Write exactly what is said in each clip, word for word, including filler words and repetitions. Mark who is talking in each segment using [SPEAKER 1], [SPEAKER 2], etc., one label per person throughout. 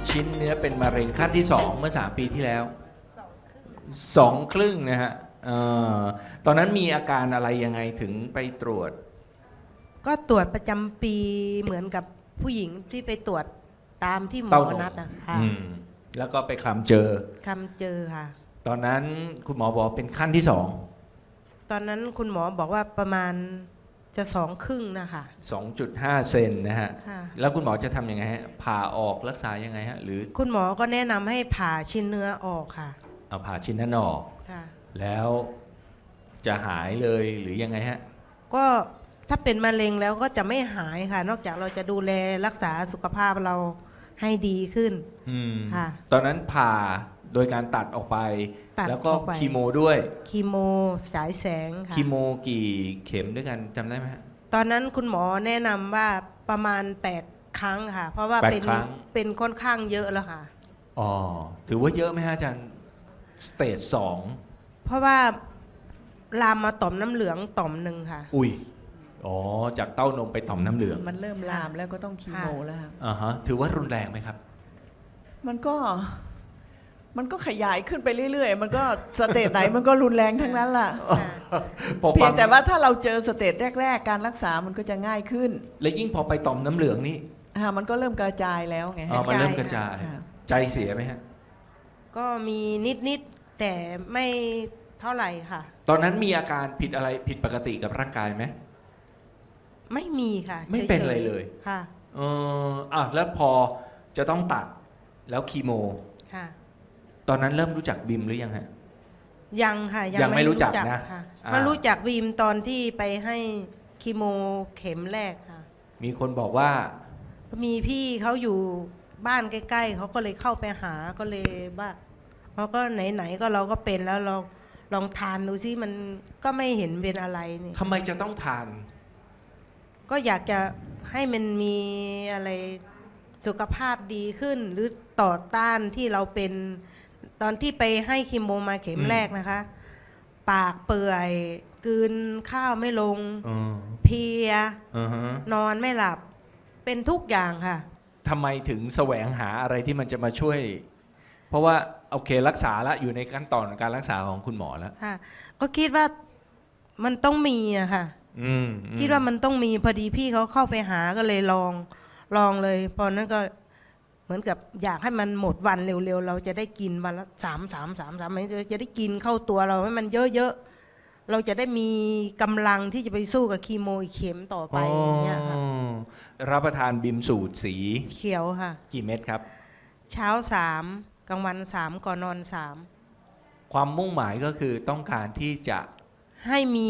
[SPEAKER 1] ชิ้นเนื้อเป็นมะเร็งขั้นที่สองเมื่อสามปีที่แล้วสองครึ่งนะฮะเอ่อตอนนั้นมีอาการอะไรยังไงถึงไปตรวจ
[SPEAKER 2] ก็ตรวจประจำปีเหมือนกับผู้หญิงที่ไปตรวจตามที่หม
[SPEAKER 1] เต้า
[SPEAKER 2] อน
[SPEAKER 1] ม
[SPEAKER 2] นัดนะค่ะ
[SPEAKER 1] อืมแล้วก็ไปคลำเจอ
[SPEAKER 2] คำเจอค่ะ
[SPEAKER 1] ตอนนั้นคุณหมอบอกเป็นขั้นที่สอง
[SPEAKER 2] ตอนนั้นคุณหมอบอกว่าประมาณจะสองครึ่งนะคะ
[SPEAKER 1] สองจุดห้าเซนนะฮะ
[SPEAKER 2] ค่ะ
[SPEAKER 1] แล้วคุณหมอจะทำยังไงฮะผ่าออกรักษายังไงฮะหรือ
[SPEAKER 2] คุณหมอก็แนะนำให้ผ่าชิ้นเนื้อออกค่ะ
[SPEAKER 1] เอาผ่าชิ้นนั้นออก
[SPEAKER 2] ค่ะ
[SPEAKER 1] แล้วจะหายเลยหรือยังไงฮะ
[SPEAKER 2] ก็ถ้าเป็นมะเร็งแล้วก็จะไม่หายค่ะ นอกจากเราจะดูแลรักษาสุขภาพเราให้ดีขึ้น
[SPEAKER 1] อืม
[SPEAKER 2] ค่ะ
[SPEAKER 1] ตอนนั้นผ่าโดยการตัดออกไป
[SPEAKER 2] ตัด
[SPEAKER 1] แล้วก็
[SPEAKER 2] ออกไป
[SPEAKER 1] คีโมด้วย
[SPEAKER 2] คีโมฉายแสงค่ะ
[SPEAKER 1] คีโมกี่เข็มด้วยกันจำได้ไหมฮะ
[SPEAKER 2] ตอนนั้นคุณหมอแนะนำว่าประมาณแปดครั้งค่ะ เพราะว่า
[SPEAKER 1] แปด
[SPEAKER 2] เป็น
[SPEAKER 1] ครั้ง
[SPEAKER 2] เป็นค่อนข้างเยอะแล้วค่ะ
[SPEAKER 1] อ๋อถือว่าเยอะไหมฮะอาจารย์สเตจสอง
[SPEAKER 2] เพราะว่าลามมาต่อมน้ำเหลืองต่อมหนึ่งค่ะ
[SPEAKER 1] อุ้ยอ๋อจากเต้านมไปต่อมน้ำเหลือง
[SPEAKER 3] มันเริ่มลามแล้วก็ต้องคีโมแล้วครับ
[SPEAKER 1] อ่าฮะถือว่ารุนแรงไหมครับ
[SPEAKER 3] มันก็มันก็ขยายขึ้นไปเรื่อยๆ มันก็สเตจไหนมันก็รุนแรงทั้งนั้นล่ะ
[SPEAKER 1] พอ
[SPEAKER 3] เพี
[SPEAKER 1] ฟั
[SPEAKER 3] ยงแต่ว่าถ้าเราเจอสเตจแรก ๆ การรักษามันก็จะง่ายขึ้น
[SPEAKER 1] และยิ่งพอไปต่อมน้ำเหลืองนี่
[SPEAKER 3] อ่ามันก็เริ่มกระจายแล้วไง
[SPEAKER 1] อ๋อมันเริ่มกระจาย
[SPEAKER 3] ค่ะ
[SPEAKER 1] ใจเสียไหมฮะ
[SPEAKER 2] ก็มีนิดๆแต่ไม่เท่าไหร่ค่ะ
[SPEAKER 1] ตอนนั้นมีอาการผิดอะไรผิดปกติกับร่างกายไหม
[SPEAKER 2] ไม่มีค่ะ
[SPEAKER 1] ไม่เป็น
[SPEAKER 2] ฉๆ
[SPEAKER 1] อะไรเลย
[SPEAKER 2] ค่ะ
[SPEAKER 1] เอออ่ะแล้วพอจะต้องตัดแล้วคีโม
[SPEAKER 2] ค่ะ
[SPEAKER 1] ตอนนั้นเริ่มรู้จักบิมหรือยังฮะ
[SPEAKER 2] ยังค่ะ
[SPEAKER 1] ยังไม่รู้จักนะ
[SPEAKER 2] ค่ะ
[SPEAKER 1] อ่า
[SPEAKER 2] มารู้จักวีมตอนที่ไปให้คีโมเข็มแรกค่ะ
[SPEAKER 1] มีคนบอกว่า
[SPEAKER 2] มีพี่เขาอยู่บ้านใกล้ๆเขาก็เลยเข้าไปหาก็เลยว่าเขาก็ไหนๆก็เราก็เป็นแล้วเราลองทานดูซิมันก็ไม่เห็นเป็นอะไรนี่
[SPEAKER 1] ทำไมจะต้องทาน
[SPEAKER 2] ก็อยากจะให้มันมีอะไรสุขภาพดีขึ้น หรือต่อต้านที่เราเป็นตอนที่ไปให้คีโมมาเข็ม
[SPEAKER 1] อืม
[SPEAKER 2] แรกนะคะ ปากเปื่อยกลืนข้าวไม่ลง
[SPEAKER 1] อืม
[SPEAKER 2] เพลีย
[SPEAKER 1] อือฮะ
[SPEAKER 2] นอนไม่หลับเป็นทุกอย่างค่ะ
[SPEAKER 1] ทำไมถึงแสวงหาอะไรที่มันจะมาช่วย เพราะว่าโอเครักษาแล้วอยู่ในขั้นตอนการรักษาของคุณหมอแล้ว
[SPEAKER 2] ค่ะ ก็คิดว่ามันต้องมีอะค่ะ
[SPEAKER 1] อืมอื
[SPEAKER 2] คิดว่ามันต้องมีพอดีพี่เขาเข้าไปหาก็เลยลองลองเลยพอนั้นก็เหมือนกับอยากให้มันหมดวันเร็วๆ เราจะได้กินวันละสามสามสามสามมันจะได้กินเข้าตัวเราให้มันเยอะๆเราจะได้มีกำลังที่จะไปสู้กับคีโมอีกเข็มต่อไปอย่างเงี้ยค่ะ
[SPEAKER 1] อ๋อรับประทานบิมสูตรสี
[SPEAKER 2] เขียวค่ะ
[SPEAKER 1] กี่เม็ดครับ
[SPEAKER 2] เช้าสามกลางวันสามก่อนนอนสาม
[SPEAKER 1] ความมุ่งหมายก็คือต้องการที่จะ
[SPEAKER 2] ให้มี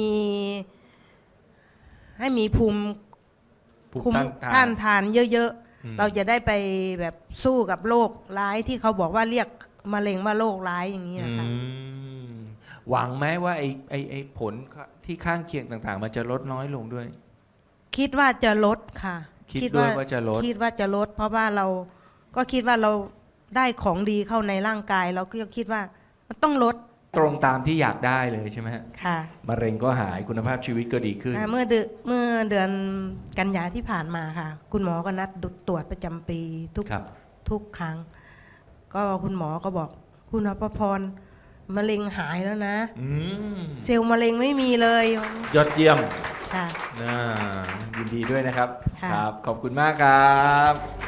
[SPEAKER 2] ให้มีภูมิ
[SPEAKER 1] ภูมิ
[SPEAKER 2] คุ้ม
[SPEAKER 1] ต้านทา
[SPEAKER 2] ต้าน นทานเยอะ
[SPEAKER 1] อืม
[SPEAKER 2] ๆ เราจะได้ไปแบบสู้กับโรคร้ายที่เขาบอกว่าเรียกมะเร็งว่าโรคร้ายอย่างนี้นะคะ
[SPEAKER 1] อืมหวังไหมว่าไอ้ไอ้ไอ้ผลที่ข้างเคียงต่างๆ มันจะลดน้อยลงด้วย
[SPEAKER 2] คิดว่าจะลดค่ะ
[SPEAKER 1] คิดด้วยว่าจะลด
[SPEAKER 2] คิดว่าจะลด เพราะว่าเราก็คิดว่าเราได้ของดีเข้าในร่างกาย เราก็คิดว่ามันต้องลด
[SPEAKER 1] ตรงตามที่อยากได้เลยใช่ไหมฮะ
[SPEAKER 2] ค่ะ
[SPEAKER 1] มะเร็งก็หายคุณภาพชีวิตก็ดีขึ้น
[SPEAKER 2] อ่าเมื่อเดือนเมื่อเดือนกันยาที่ผ่านมาค่ะ คุณหมอก็นัดตรวจประจำปีทุก
[SPEAKER 1] ครับ
[SPEAKER 2] ทุกครั้ง ก็คุณหมอก็บอกคุณอภพรมะเร็งหายแล้วนะ
[SPEAKER 1] อืม
[SPEAKER 2] เซลล์มะเร็งไม่มีเลย
[SPEAKER 1] ยอดเยี่ยม
[SPEAKER 2] ค่ะ
[SPEAKER 1] น่ายินดีด้วยนะครับ
[SPEAKER 2] ค่ะ
[SPEAKER 1] ครับ ขอบคุณมากครับ